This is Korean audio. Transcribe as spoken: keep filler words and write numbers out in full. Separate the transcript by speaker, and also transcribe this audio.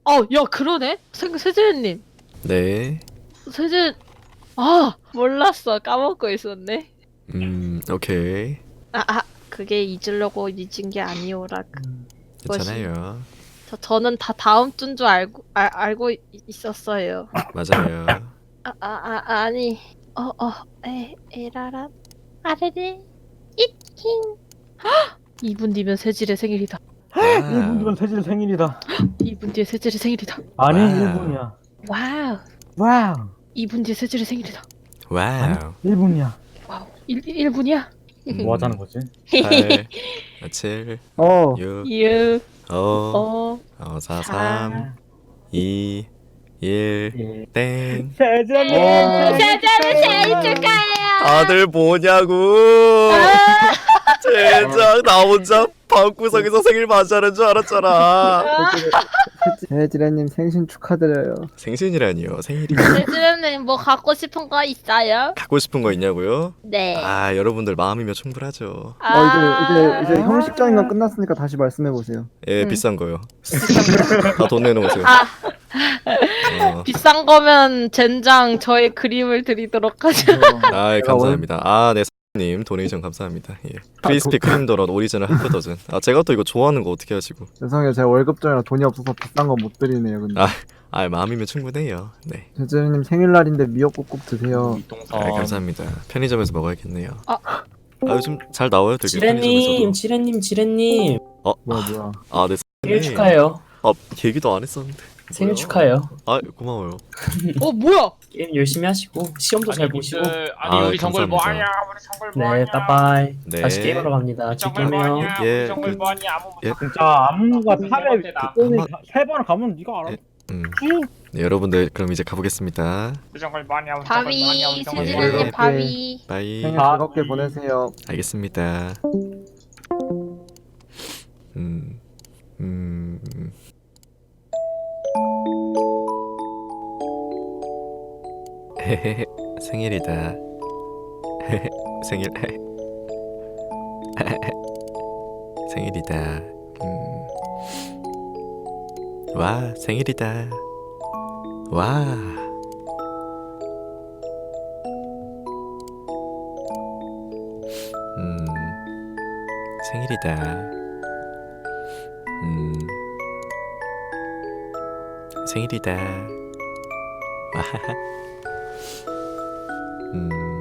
Speaker 1: 어, 야, 그러네? 세, 세제님.
Speaker 2: 네.
Speaker 1: 세제, 아, 몰랐어. 까먹고 있었네.
Speaker 2: 음, 오케이.
Speaker 1: 아, 아, 그게 잊으려고 잊은 게 아니오라.
Speaker 3: 음,
Speaker 1: 그것이.
Speaker 2: 괜찮아요.
Speaker 1: 저, 저는 다 다음 주인 줄 알고, 알, 알고 있, 있었어요.
Speaker 2: 맞아요.
Speaker 1: 아, 아, 아, 아니. 어, 어, 에, 에라라. 아레레. 이킹. 이 분 뒤면 세질의 생일이다.
Speaker 3: 일 분 뒤면
Speaker 2: 와우.
Speaker 3: 세질 생일이다.
Speaker 1: 이 분 뒤에 세질의 생일이다.
Speaker 3: 아니
Speaker 2: 와우.
Speaker 3: 일 분이야.
Speaker 1: 와우.
Speaker 3: 와우.
Speaker 1: 이 분 뒤에 세질의 생일이다.
Speaker 3: 아니
Speaker 2: 와우.
Speaker 3: 일 분이야.
Speaker 1: 와우. 일, 일 분이야?
Speaker 3: 뭐 하자는 거지?
Speaker 2: 팔, 칠,
Speaker 3: 어.
Speaker 2: 육,
Speaker 1: 유,
Speaker 2: 오,
Speaker 1: 어,
Speaker 2: 어, 사,
Speaker 1: 사.
Speaker 2: 삼, 이, 일,
Speaker 3: 예.
Speaker 2: 땡.
Speaker 3: 세질
Speaker 1: 어,
Speaker 3: 생일
Speaker 1: 세질의 생일 축하해요.
Speaker 2: 다들 뭐냐고. 젠장, 나 혼자 방구석에서 생일 맞이하는 줄 알았잖아.
Speaker 4: 세지레님 생신 축하드려요.
Speaker 2: 생신이라니요. 생일이.
Speaker 1: 세질님 뭐 갖고 싶은 거 있어요?
Speaker 2: 갖고 싶은 거 있냐고요?
Speaker 1: 네.
Speaker 2: 아, 여러분들 마음이면 충분하죠.
Speaker 1: 아.
Speaker 4: 어 이제 이제 이제 형식적인 건 끝났으니까 다시 말씀해 보세요.
Speaker 2: 예,
Speaker 1: 음.
Speaker 2: 비싼 거요. 다 돈 내놓으세요.
Speaker 1: 아,
Speaker 2: 어.
Speaker 1: 비싼 거면 젠장 저의 그림을 드리도록 하죠.
Speaker 2: 아, 감사합니다. 아, 네, 님 도네이션 감사합니다. 예. 크리스피 크림도넛 오리지널 하프 더즌. 아, 제가 또 이거 좋아하는 거 어떻게 하시고?
Speaker 4: 죄송해요, 제가 월급 중이라 돈이 없어서 비싼 거 못 드리네요. 근데
Speaker 2: 아, 아, 마음이면 충분해요. 네.
Speaker 4: 세지레님 생일날인데 미역국 꼭 드세요.
Speaker 2: 아, 감사합니다. 편의점에서 먹어야겠네요.
Speaker 1: 아.
Speaker 2: 아, 요즘 잘 나와요, 되게.
Speaker 5: 지레님,
Speaker 2: 편의점에서도.
Speaker 5: 지레님, 지레님
Speaker 2: 어,
Speaker 4: 뭐야 뭐야.
Speaker 2: 아, 네.
Speaker 5: 생일
Speaker 2: 네.
Speaker 5: 축하해요.
Speaker 2: 아, 얘기도 안 했었는데.
Speaker 5: 생일
Speaker 2: 뭐야?
Speaker 5: 축하해요.
Speaker 2: 아, 고마워요.
Speaker 1: 어 뭐야?
Speaker 5: 게임 열심히 하시고 시험도 잘 보시고.
Speaker 6: 님들, 아니
Speaker 2: 아,
Speaker 6: 우리 정글
Speaker 2: 감사합니다.
Speaker 6: 뭐하냐 우리 정글 뭐하냐
Speaker 5: 네, 빠빠이.
Speaker 2: 네.
Speaker 5: 다시 게임하러 갑니다.
Speaker 6: 정글
Speaker 5: 즐기며.
Speaker 6: 뭐하냐
Speaker 2: 예,
Speaker 6: 우리 정글
Speaker 2: 그-
Speaker 6: 뭐하냐 아무
Speaker 2: 예.
Speaker 3: 진짜 안무가
Speaker 6: 그
Speaker 3: 탑에
Speaker 6: 번째다.
Speaker 3: 그거는
Speaker 2: 한번-
Speaker 3: 세 번을 가면 네가 알아.
Speaker 2: 예. 음. 네, 여러분들 그럼 이제 가보겠습니다.
Speaker 6: 우리 정글 뭐하냐 우리 정글 뭐하냐
Speaker 1: 바위
Speaker 6: 우리 정글
Speaker 2: 예.
Speaker 6: 뭐하냐
Speaker 1: 세질님 바위.
Speaker 2: 바이.
Speaker 4: 생일
Speaker 3: 아,
Speaker 4: 즐겁게
Speaker 3: 이-
Speaker 4: 보내세요.
Speaker 2: 알겠습니다. 음, 음, 헤헤헤, 생일이다. 헤헤, 생일, 헤헤. 생일이다. 음. 와, 생일이다. 와. 음, 생일이다. 음, 생일이다. 와하하. 음,